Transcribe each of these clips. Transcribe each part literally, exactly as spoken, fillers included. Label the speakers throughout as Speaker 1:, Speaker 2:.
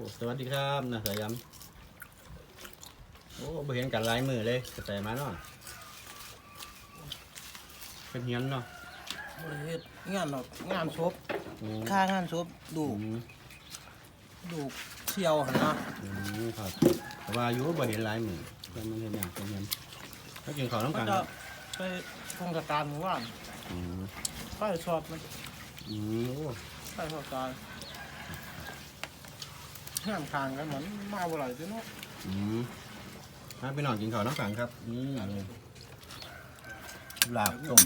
Speaker 1: สวัสดีครับนะสายยำโอ้บ่เห็นกันลายมือเลยแต่มาเนาะเป็นเฮียนเนาะ
Speaker 2: บริเวณงานหรอกงานศพ
Speaker 1: อืม
Speaker 2: ค่างานศพดู
Speaker 1: อืม
Speaker 2: ดูเชี่ยวหันนะ
Speaker 1: อืมครับแต่ว่าอยู่บ่เห็นลายมือมันมันเห็นอย่างเป็นเฮียนถ้ากินข้าวน้ำ
Speaker 2: มั
Speaker 1: กัน น
Speaker 2: จะไปโครงการหมู่บ้าน
Speaker 1: อืม
Speaker 2: ไปสอบมัน
Speaker 1: อืมโอ้
Speaker 2: ไปสอบการห้ามทางกันเหมือนมาบ่ไหร่จ้ะเนาะ
Speaker 1: อืมมาไปนอนกินข้าวน้ำกันครับนี่เลยลาบต้ม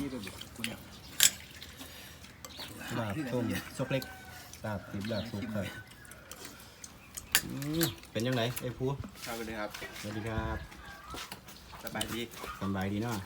Speaker 1: ลาบต้มซกเล็กลาบติบลาบสุกครับอืมเป็นยังไงไอ้ผู้
Speaker 3: ครับสวัสดีครับ
Speaker 1: สวัสดีครับ
Speaker 3: สบายดี
Speaker 1: สบายดีเนาะ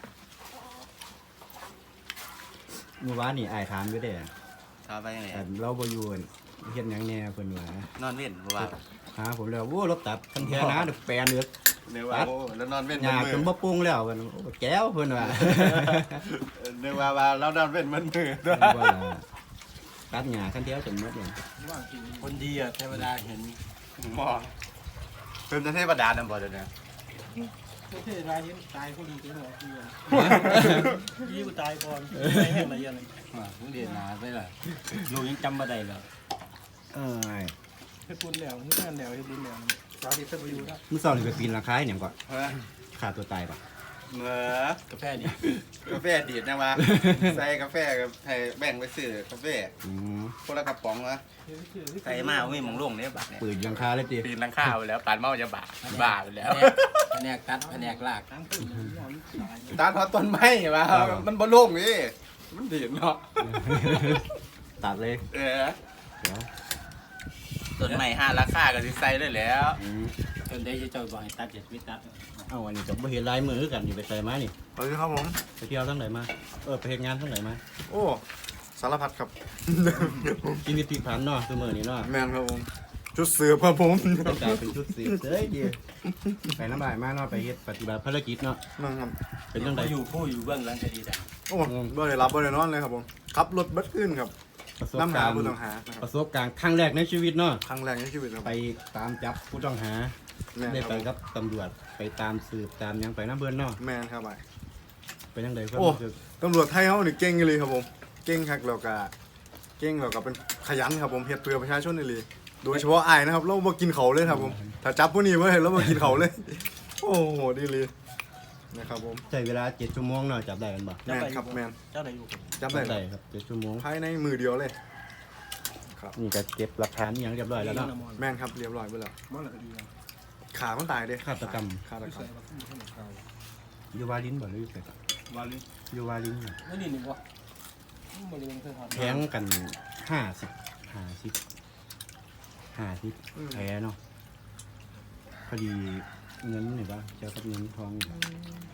Speaker 1: เมื่อวานนี่อ้ายถามอยู่เด้
Speaker 3: ทาไปยังไง
Speaker 1: แต่เราบ่อยู่เฮ็ดหยังแหน่เพิ่นว่าน
Speaker 3: อนเว้นเพราะว่า
Speaker 1: หาผมแล้วโอ้รถตับคันแท้นะเดอกแปลนเด้อ
Speaker 3: เนื้อว่าโอ้แล้วนอนเว้น
Speaker 1: หญ้า
Speaker 3: มื
Speaker 1: จนบ่ปรุงแล้วเพิ่นโอ้แก้วเพิ่นว่า
Speaker 3: เนื้อว่าว่าเรานอนเว้นมันมือ
Speaker 1: ว่าตัดหญ้าคันแท้จนหมดเลย
Speaker 2: ว่างกิน
Speaker 3: คนดีอ่ะเทวดาเห็นหมอเป็นเทวดานั่นบ่เดี๋ยวนี้
Speaker 2: ประเทศรายนี้ตายคนดีจังเลยที่ยี่กูตายก่อนตายแห้งอะไรอย่างเงี้ย
Speaker 3: มึงเดียนหนาไปเลยลูกยังจำบ่ได้เลย
Speaker 1: เอ้ย
Speaker 2: เฮ็ดบุญแล้วเฮ็ดงานแล้วเฮ็ดบุญแล้วสาธิตเป็นประโยชน์นะ
Speaker 1: มื้อเช้านี่ไปปีนราคาให้หยังก่อน
Speaker 3: เฮ้ย
Speaker 1: ฆ่าตัวตายป่ะ
Speaker 3: เหมือก
Speaker 2: าแฟดี
Speaker 3: กาแฟดีดนะวะใส่กาแฟกับให้แบ่งไปซื้อกาแฟ
Speaker 1: อืม
Speaker 3: คนละกระป๋องวะใส่มาไม่มองลงเนี่ยบาทเนี่ย
Speaker 1: ปืนยังคาเลยติ
Speaker 3: ปีนหลังข้าวไปแล้วปานเมาจะบาทบาทไปแล้ว
Speaker 4: แผนกตัดแผนกลาก
Speaker 2: ทั้งตื่นนอนตาย
Speaker 3: ตาทอดต้นไม้มามันบ่โล่งนี่มันดีดเนาะ
Speaker 1: ตัดเลย
Speaker 3: เออ
Speaker 1: เดี๋ยว
Speaker 3: ต้นไม้ห้าราคาก็สิใส่ได้แล้ว
Speaker 1: อืม
Speaker 4: จนได้จะเจ้าบอกให้ตัดเจ็ดวิตัด
Speaker 1: เอ้าอันนี้ก็บ่เห็นลายมือคือกันนี่ไปใส่มานี่
Speaker 5: สวัสดีครับผม
Speaker 1: ไปเที่ยวทั้งไหนมาเออไปเฮ็ดงานทั้งไหนมา
Speaker 5: โอ้สารพัดครับ
Speaker 1: ชีวิตพลิกผันเนาะซุมื้อนี้เนาะ
Speaker 5: แมนครับผม ชุดเสือครับผม
Speaker 1: ต้องกลายเป็นชุดสีเอ้ยดีไปน้ำบ่ายมาเนาะไปเฮ็ดปฏิบัติภารกิจเนาะ
Speaker 5: นั่งครับ
Speaker 1: เป็นจังได
Speaker 4: อยู่ผู้อยู่เบื้องหลังคดีแต่
Speaker 5: โอ้บ่ได้รับบ่ได้นอนเลยครับผมขับรถเบัดขึ้นครับ
Speaker 1: ประสบ
Speaker 5: น้ำหา
Speaker 1: การณ์
Speaker 5: ผู้ต้องหานะค
Speaker 1: ป
Speaker 5: รับ
Speaker 1: ระสบการณ์ครั้งแรกในชีวิตเนาะ
Speaker 5: ครั้งแรกในชีวิตครับ
Speaker 1: ไปตามจับผู้ต้องหา
Speaker 5: แมน
Speaker 1: ได้
Speaker 5: ค
Speaker 1: ไป
Speaker 5: รับ
Speaker 1: กับตำรวจไปตามสืบตามหยังไปน้ำเบิ่นเนาะ
Speaker 5: แมนครับไป
Speaker 1: เป็นจังไดความ
Speaker 5: โอ้
Speaker 1: รู้สึก
Speaker 5: ตำรวจไทยเขานี่เก่งเลยครับผม เก่งคักแล้วก็เก่งแล้วก็เป็นขยันครับผมเฮ็ดเพื่อประชาชนนี่เลยโดยเฉพาะอ้ายนะครับเราบ่กินเขาวเลยครับผม ถ้าจับผู้นี้ไว้เราบ่กินเขาวเลย โอ้โหดีเลยนะครับผม
Speaker 1: ใช้เวลาเจ็ดชั่วโมงเนาะจับได้กันบ่
Speaker 5: แมนครับแมน
Speaker 2: เจ้าไหนอยู่
Speaker 5: จับได้
Speaker 1: ได้ครับเจ็ดชั่วโมง
Speaker 5: ภายในมือเดียวเลย
Speaker 1: นี่ก็เก็บหลักฐานอหยังเรียบร้อยแล้วเนาะ
Speaker 5: แมนครับเรียบร้อยไปแล้ว
Speaker 2: มันอะไรก็ดีนะ
Speaker 5: ขามันตายเด้
Speaker 1: ฆาตกรรม
Speaker 5: ฆาต
Speaker 2: ไม่
Speaker 5: กรร
Speaker 2: ใส่
Speaker 5: ม
Speaker 2: มาขึ้นให้หนังเรา
Speaker 1: อยู่วาลินบ่หรืออยู่ไสก่อน
Speaker 2: วาลิ
Speaker 1: อยู่วาลินน่ะ
Speaker 2: ไม่ดีหนึ่งวะบริเวณเคยทำ
Speaker 1: แทงกันห้าสิบห้าสิบห้าสิบแพ้เนาะพอดีเงินนี่ป่ะเจ้ากับเงินทองนี่บ่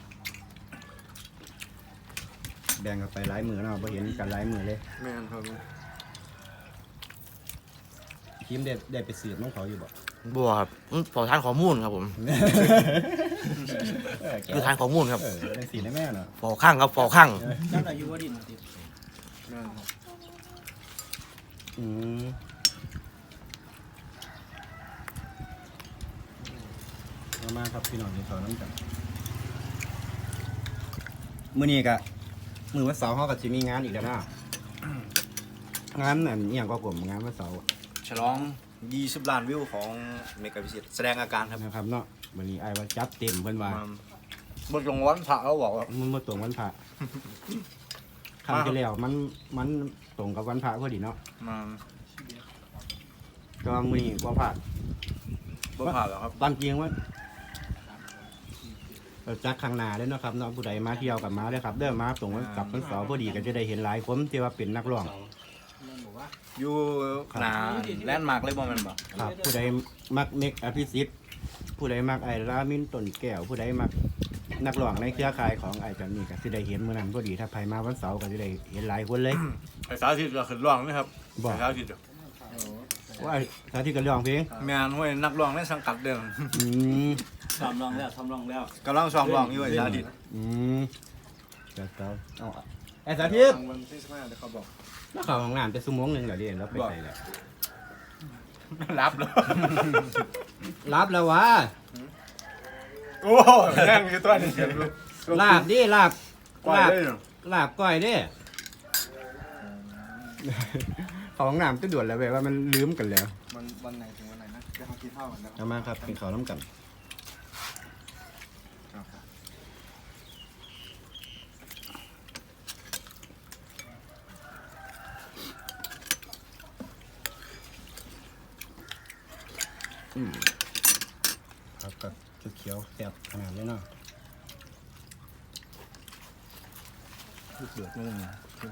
Speaker 1: แบ่งกันไปหลายมือเนาะพอเห็นกันหลายมือเลย
Speaker 5: แมนครับ
Speaker 1: ทีมได้ได้ไปสืบน้องเขาอยู่บ่
Speaker 6: บัวครับอืมขอทานข้อมูลครับผม
Speaker 1: เออแก
Speaker 6: คือทานข้อมูลครับ
Speaker 1: เออได้สีได้แม่เนาะ
Speaker 6: ฟอข้างครับฟอข้าง
Speaker 2: เจ้าไหนอยู่วาดินติ
Speaker 5: แมนครับ
Speaker 1: อืมมามาครับพี่น้องกินข้าวน้ำกันมื้อนี้ก็มื้อวันเสาร์เฮาก็สิมีงานอีกแล้วเนาะงานนั่นอีหยังก็ผมงานวันเสาร์
Speaker 6: ฉลองยี่สิบล้านวิวของเมกะพิเศษแสดงอาการครับ
Speaker 1: นะครับเนาะวันนี้อ้ายว่าจัดเต็มเพิ่นว่า
Speaker 6: บทลงวันพระเขาบอกว่า
Speaker 1: มันมาตรงวันพระครั้งที่แล้วมันมันตรงกับวันพระพอดีเนาะ
Speaker 6: มา
Speaker 1: ก็มื้อนี้บ่พลาด
Speaker 6: บ่ผ่านแล้วครับ
Speaker 1: ตามจริงว่าเราจักข้างหน้าเลยเนาะครับเนาะผู้ใดมาเที่ยวกับมาเลยครับเด้อมาตรงวันกลับวันเสาร์พอดีก็จะได้เห็นหลายคนที่ว่าเป็นนักร้อง
Speaker 6: อยู่หนาแลนด์มาร์กเลยบ่แม่นบ่
Speaker 1: ครับผู้ใดมักเมกอภิสิทธิ์ผู้ใดมักไอ้รามินต้นแก้วผู้ใดมักนักร้องในเครือข่ายของไอ้จันนี่ก็สิได้เห็นมื้อนั้นพอดีถ้าไผมาวันเสาร์ก็สิได้เห็นหลายคนเลย
Speaker 6: ไอ้สาธิตก็ขึ้นร้องนะครับ
Speaker 1: บ่
Speaker 6: ไอ้สาธิต
Speaker 1: ว่าสาธิตก็ร้องเพลง
Speaker 6: แม่นห้วยนักร้องในสังกัดเดิม
Speaker 1: อืม
Speaker 4: ซ้อมลองแล้วซ้อมลองแล้ว
Speaker 6: กำลังซ้อมร้องอยู่ไอ้สาธิต
Speaker 1: อืมจะเตาเอาไอ้สาธิต
Speaker 5: วันที่สิบห้าเดี๋ยวเขาบอก
Speaker 1: แล้วเข้าห้องน้ำจะชั่วโมงหนึงแล้วเด้แล้วไปใส่แล้ว
Speaker 6: ม
Speaker 3: รับเลย
Speaker 1: รับแล้ววะ
Speaker 3: โอ้นั่งอยู่ตัวนี้
Speaker 1: ลาบดิลาบ
Speaker 3: กว่า
Speaker 1: ลาบ
Speaker 3: เลยเนาะ
Speaker 1: ลาบก้อยดิของน้ำก็ด่วนแล้วแบบว่ามันลืมกันแล้ว
Speaker 5: มันวันไหนถึงวันไหนนะจะเขากินข้าวกันนะ
Speaker 1: เอามาครับกินข้าวน้ำกัน
Speaker 5: ครับ
Speaker 1: ครับกับเขียวๆแซ่บขนาดนี้เนาะลูกเดือดนี่นะ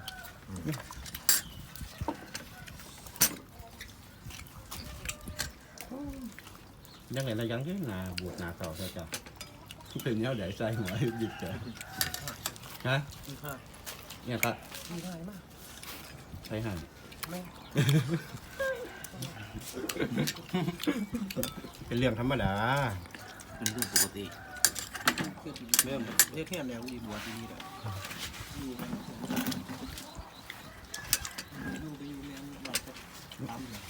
Speaker 1: ยังไงนะยังที่นาบวชนาเก่าใช่จ้ะเป็นเนี้ยเดี๋ยวใส่หัวหยิบเจอฮะ
Speaker 2: มีค่า
Speaker 1: เนี่ยครับ
Speaker 2: มีได้มาก
Speaker 1: ใส่หั่น
Speaker 2: ไม่
Speaker 1: เป็นเรื่องธรรมดา
Speaker 4: เป็นเรื่องปกติ
Speaker 2: เพื่อเริ่มเรียกแค่แนวอีบัวที่นี่แหละอยู่กันอยู่ไปอยู่แนวเราจะตามเลย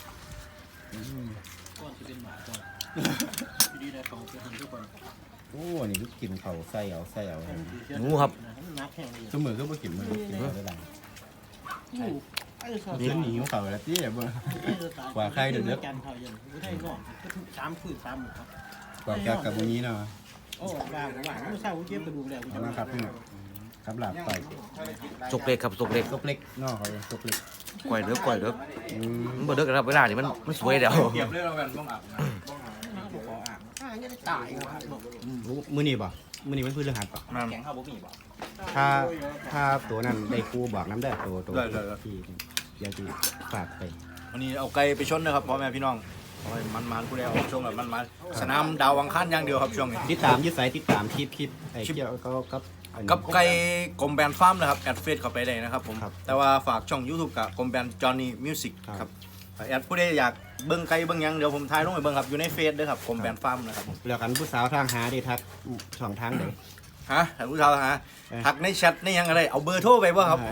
Speaker 2: ก้อนจะเป็นหมาก้อนที่ดีได้เขาเป็นทุกคน
Speaker 1: โอ้นี่ก็กินเขาใส่เอาใส่เอา
Speaker 6: หมูครับ
Speaker 2: นักแข่งเลย
Speaker 1: สมือก็บ่กินมือกินเพื่อได้หลัง
Speaker 2: อยู่ไอ้สาว
Speaker 1: เลี้ยงหนีของเขาแล้วที่บ่ กว่าใครเดี๋ยวเดี๋ยว
Speaker 2: กันเขายังไม่ได้นอนก็ทุกสามคืนสามหมู่ครับ
Speaker 1: กว่าแกกับวันนี้เนาะ
Speaker 2: โอ้บ้าบ้าไม่ทราบว่าเก็บกระดูกแล้ว
Speaker 1: เอามาครับพี่น้องครับหลับไป
Speaker 6: สุกเล็กครับสุกเล็ก
Speaker 1: ตกเล็กเนาะเขาตกเล็ก
Speaker 6: กล้วยเด้อกล้วยเด้อ
Speaker 1: อืม
Speaker 6: มันบ่เด้อครับเวลานี่มันมันสวยเดี๋ยว
Speaker 3: เก็บเลยเรากันต้องอาบน้
Speaker 2: อ่ายังได้ตายว่ะ
Speaker 1: มื้อนี้บ่มื้อนี้มันพื้นเรื่องหัดป่ะ
Speaker 3: ำ
Speaker 4: แข็งข้าวบ่มีบ่
Speaker 1: ถ้าถ้าตัวนั้นได้ครูบอกน้ำได้ตัวตัวที่อยากจะฝากไป
Speaker 6: วันนี้เอาไก่ไปชนนะครับพ่อแม่พี่น้องเอาให้มันๆผู้ใดเอาช่วงแบบมันๆสนามดาวอังคารอย่างเดียวครับช่วงนี้
Speaker 1: ติดตามยึดสายติดตามคลิปคลิปไอ้เกี่ยวก็กับอันนี้
Speaker 6: กับไก่กลมแบนฟาร์มนะครับแอดเฟซเข้าไปได้นะครับผม
Speaker 1: ครับ
Speaker 6: แต่ว่าฝากช่อง YouTube กับกลมแบนจอห์นนี่มิวสิก
Speaker 1: ครับ
Speaker 6: ครับแอดผู้ใดอยากเบิ่งไก่เบิ่งหยังเดี๋ยวผมถ่ายลงไปเบิ่งครับอยู่ในเฟซด้วยครับกลมแบนฟาร์มนะครับผม
Speaker 1: แล้วกันผู้สาวทางหาได้ทักช่องทางไหน
Speaker 6: ฮะท่านผู้ชมฮะ
Speaker 1: เอ้ย
Speaker 6: ทักในแชทในหยังอะไรเอาเบอร์โทรไปบ่ครับ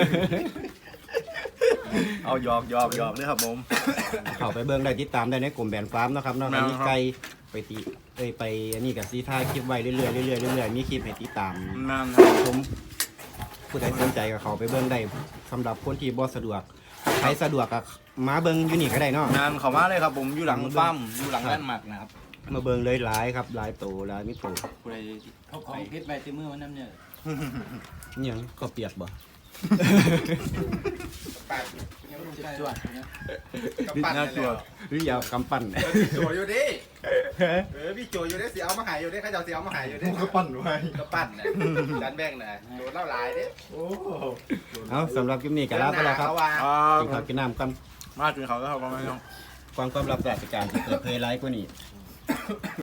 Speaker 6: เอาหยอกหยอกหยอกเลยครับผม
Speaker 1: เข้าไปเบิ่งได้ติดตามได้ในกลุ่มแบรนด์ฟาร์มเนาะครับเนาะ
Speaker 6: แม่นครับ
Speaker 1: มีไก่ไปตีเอ้ยไปอันนี้กับซีท่ายคลิปไว้เรื่อยๆเรื่อยๆเรื่อยๆมีคลิปให้ติดตาม
Speaker 6: นั่นครับ
Speaker 1: ชมผู้ใดสนใจก็เข้าไปเบิ่งได้สำหรับคนที่บ่สะดวกใครสะดวกก็มาเบิ่งอยู่นี่ก็ได้เนาะ
Speaker 6: งานเขามาเลยครับผมอยู่หลังฟาร์มอยู่หลังแลนด์มาร์กนะครับ
Speaker 1: มาเบิ่งเลยหลายครับหลายโตหลายมิโต
Speaker 6: ผู้ใด
Speaker 4: เขาของเพชรไปที่มือวันนั้นเนี่ย
Speaker 1: อิหยังก็เปียกบ่
Speaker 4: จวดนะ
Speaker 3: กำปั้นเลยเหรอ
Speaker 1: หรือยาวกำปั้น
Speaker 3: โจอยู่ดิเออพี่โจอยู่ดิเสียเอามาหายอยู่ดิข้าเจ้าเสียเอามาหายอยู่ดิ
Speaker 5: ก็ปั่นไว้
Speaker 3: กำปั้นน่ะดันแบงน่ะโดนเล่าหลายดิ
Speaker 5: โอ้
Speaker 1: เอาสำหรับคลิปนี้ก็ลาไปแล้วครับ
Speaker 3: เดินหน้าเขาว่า
Speaker 6: อ่า
Speaker 1: กินข้าวกินน้ำกัน
Speaker 6: มาถึงเขาแล้วครับพ่อแม่พี่น้อง
Speaker 1: ความความลับราชการที่เปิดเผยไลฟ์กว่านี้